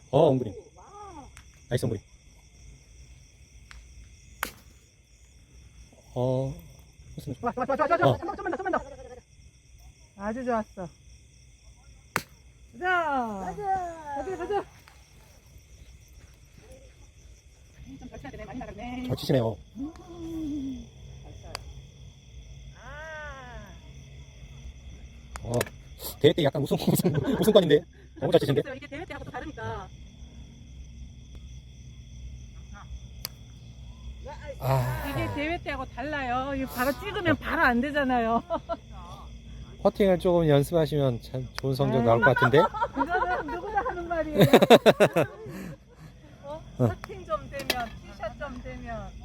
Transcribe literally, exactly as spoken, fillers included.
어, 엉그림. 나이스 엉그림. 어, 무슨, 좋아 좋아 좋아 좋아 좋아. 어. 좀만 더 좀만 더 좀만 더. 아주 좋았어. 가자. 가자 가자. 좀잘 쳐야 되네. 많이 나갔네. 잘 치시네요. 아. 어, 대회 때 약간 우승, 우승, 우승권인데. 너무 잘 치신데? 이게 대회 때하고 또 다르니까. 아, 이게 대회 때하고 달라요. 이거 바로 찍으면 바로 안 되잖아요. 퍼팅을 조금 연습하시면 참 좋은 성적 나올 것 같은데? 그거는 누구나 하는 말이에요. 어? 퍼팅 좀 되면, 티샷 좀 되면.